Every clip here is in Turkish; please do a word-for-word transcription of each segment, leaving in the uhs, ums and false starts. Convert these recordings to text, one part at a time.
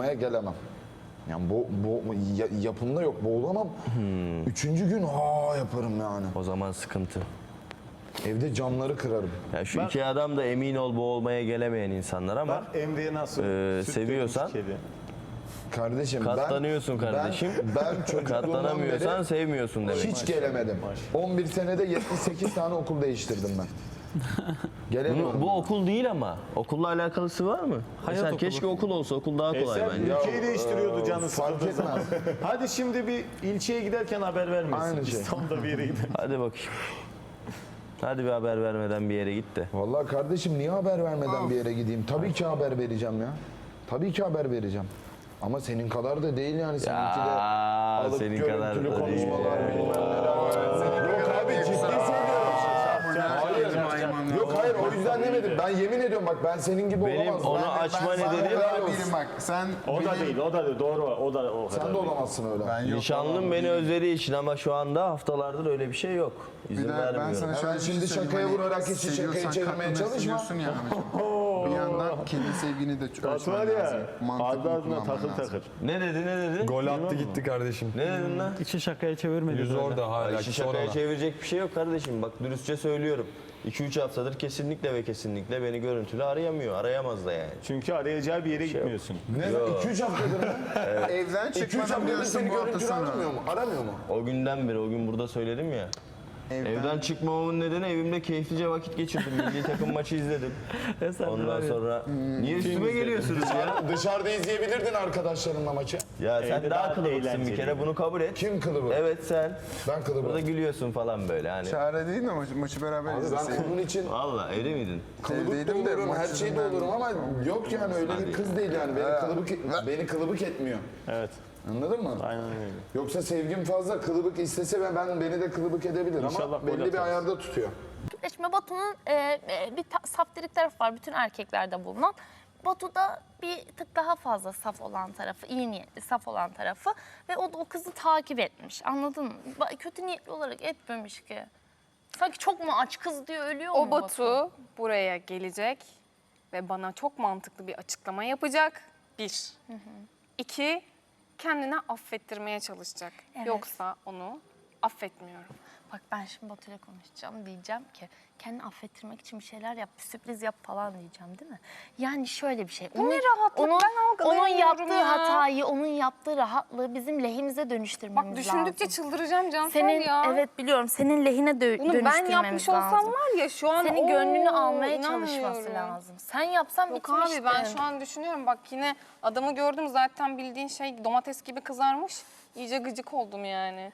boğulmaya gelemem. Yani bo, bo, yapımda yok, boğulamam. Hmm. Üçüncü gün ha yaparım yani. O zaman sıkıntı. Evde camları kırarım. Ya şu Ben- iki adam da emin ol boğulmaya gelemeyen insanlar ama Ben Emre'ye nasıl Ee, süt seviyorsan- dökmüş kedi. Kardeşim katlanıyorsun ben, kardeşim. Ben, ben çocukluğumdan Katlanamıyorsan beri sevmiyorsun demek. hiç gelemedim. on bir senede yetmiş sekiz tane okul değiştirdim ben. Gelemiyorum. Bu, bu okul değil ama. Okulla alakalısı var mı? Hayat Mesela okulu. keşke okul olsa. Okul daha kolay Eser bence. ülkeyi değiştiriyordu canı fark sıkıldığı zaman. etmez. Hadi şimdi bir ilçeye giderken haber vermesin. Aynı şey. İstanbul'da bir yere gidelim. Hadi bakayım. Hadi bir haber vermeden bir yere git de. Vallahi kardeşim niye haber vermeden bir yere gideyim? Tabii ki haber vereceğim ya. Tabii ki haber vereceğim. Ama senin kadar da değil yani. Seninki de alıp senin görüntülü kadar da değil. konuşmalar bilmem neler. Yok abi ciddi söylüyorum. Hayır. Yok hayır o yüzden demedim. Ben yemin ediyorum bak ben senin gibi Benim olamazdım. onu Ben- açma ben- nedenim- helal olsun. Değilim bak sen O da benim- değil, o da değil. Doğru, o da o kadar Sen de değil. olamazsın öyle. Ben yok, Nişanlım olamam, beni değilim. özlediği için ama şu anda haftalardır öyle bir şey yok. İzin Bir de ben vermiyorum. sana şöyle Hemen bir şey şimdi söyleyeyim, şakaya hani vurarak hiç şakayı seviyorsan çevirmeye katlanırsın çalışma. diyorsun ya Ahmetciğim. Bir yandan kendi sevgini de Batu ölçmen var lazım. ya, Mantıklı ardı ardına kullanman takır lazım. takır. Ne dedi ne dedi? Gol attı gitti kardeşim. Ne dedin lan? İçi şakaya çevirmedi. Yüz böyle. orada hala. İşi sonra şakaya da. çevirecek bir şey yok kardeşim. Bak dürüstçe söylüyorum. iki üç haftadır kesinlikle ve kesinlikle beni görüntülü arayamıyor. Arayamaz da yani. Çünkü arayacağı bir yere gitmiyorsun. Ne? iki üç haftadır mı? Evden iki üç çıkmadan haftadır biliyorsun seni bu hafta görüntülü sonu. aramıyor mu? Aramıyor mu? O günden beri, o gün burada söyledim ya. Evden, Evden çıkmamamın nedeni evimde keyiflice vakit geçirdim. Milli takım maçı izledim. Eser var Ondan ya. sonra niye üstüme geliyorsunuz ya? Dışarıda izleyebilirdin arkadaşlarınla maçı. Ya sen Evde daha daha kılıbıksın bir eğlenceli. kere bunu kabul et. Kim kılıbı? Evet sen. Ben kılıbı. Burada gülüyorsun falan böyle hani. çare değil mi maçı, maçı beraber Abi ben izleseydin? kılığın için Valla evde miydin? kılıbık da Evdeydim de olurum, her maçı şeyde ben- olurum ama yok yani öyle bir kız değil yani. Beni kılıbık, beni kılıbık etmiyor. Evet, Anladın mı? aynen öyle. Yoksa sevgim fazla kılıbık istese ve ben beni de kılıbık edebilir İnşallah ama gol belli bir atarız. ayarda tutuyor. Şimdi Batu'nun e, e, bir ta- saftirik tarafı var bütün erkeklerde bulunan. Batu'da bir tık daha fazla saf olan tarafı, iyi niyetli, saf olan tarafı ve o da o kızı takip etmiş. Anladın mı? Ba- Kötü niyetli olarak etmemiş ki. Sanki çok mu aç kız diyor ölüyor mu O Batu buraya gelecek ve bana çok mantıklı bir açıklama yapacak. Bir. İki, kendine affettirmeye çalışacak. Evet. Yoksa onu affetmiyorum. Bak ben şimdi Batu'yla konuşacağım diyeceğim ki kendini affettirmek için bir şeyler yap, bir sürpriz yap falan diyeceğim değil mi? Yani şöyle bir şey. Bu ne rahatlık? Onun, Ben onun algılayamıyorum yaptığı ya. hatayı, onun yaptığı rahatlığı bizim lehimize dönüştürmemiz Bak düşündükçe lazım. çıldıracağım Cansel Senin, ya. evet biliyorum, senin lehine dö- Bunu ben dönüştürmemiz yapmış olsam lazım. var ya şu an Senin oo, gönlünü almaya çalışması inanmıyorum. lazım. Sen yapsan Yok bitmişti. abi ben şu an düşünüyorum bak yine adamı gördüm zaten bildiğin şey domates gibi kızarmış. İyice gıcık oldum yani.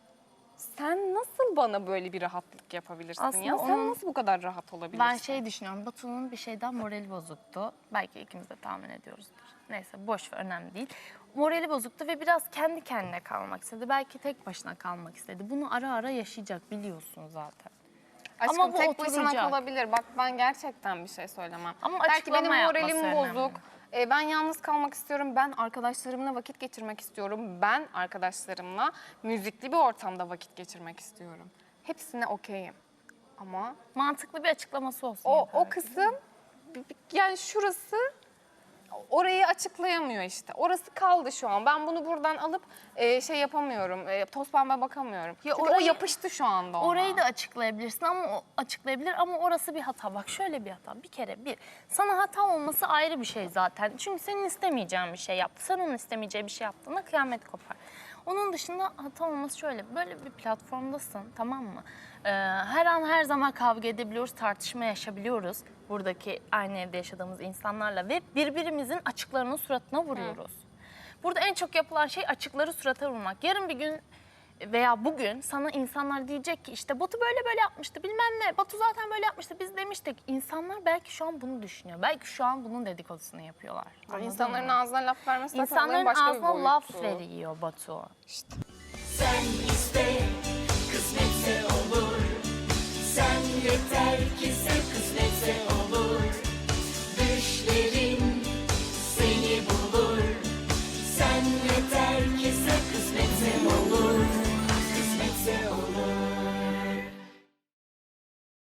Sen nasıl bana böyle bir rahatlık yapabilirsin Aslında ya? Sen onun- nasıl bu kadar rahat olabilirsin? Ben şey düşünüyorum, Batu'nun bir şeyden morali bozuktu. Belki ikimiz de tahmin ediyoruzdur. Neyse boş ver, önemli değil. Morali bozuktu ve biraz kendi kendine kalmak istedi. Belki tek başına kalmak istedi. Bunu ara ara yaşayacak biliyorsun zaten. Aşkım Ama bu tek başına oturacak. kalabilir. Bak ben gerçekten bir şey söylemem. Ama Belki açıklama benim yapması moralim önemli. bozuk. E, ben yalnız kalmak istiyorum. Ben arkadaşlarımla vakit geçirmek istiyorum. Ben arkadaşlarımla müzikli bir ortamda vakit geçirmek istiyorum. Hepsine okeyim. Ama Mantıklı bir açıklaması olsun. o yeter. o kısım yani şurası orayı açıklayamıyor işte. Orası kaldı şu an. Ben bunu buradan alıp e, şey yapamıyorum. E, toz pembe bakamıyorum. Ya Çünkü o orayı- yapıştı şu anda ona. Orayı da açıklayabilirsin ama o açıklayabilir ama orası bir hata. Bak şöyle bir hata. Bir kere bir. Sana hata olması ayrı bir şey zaten. Çünkü senin istemeyeceğin bir şey yaptı. Sen onun istemeyeceği bir şey yaptığında kıyamet kopar. Onun dışında hata olması şöyle. Böyle bir platformdasın, tamam mı? Ee, her an her zaman kavga edebiliyoruz, tartışma yaşayabiliyoruz. Buradaki aynı evde yaşadığımız insanlarla ve birbirimizin açıklarını suratına vuruyoruz. Burada en çok yapılan şey açıkları surata vurmak. Yarın bir gün veya bugün sana insanlar diyecek ki işte Batu böyle böyle yapmıştı bilmem ne. Batu zaten böyle yapmıştı biz demiştik. İnsanlar belki şu an bunu düşünüyor. Belki şu an bunun dedikodusunu yapıyorlar. Anladın İnsanların mı? ağzına laf vermesi zaten olayın İnsanların başka bir ağzına laf boyutu. veriyor Batu. Sen iste, kısmetse olur. Sen yeter ki sev, kısmet.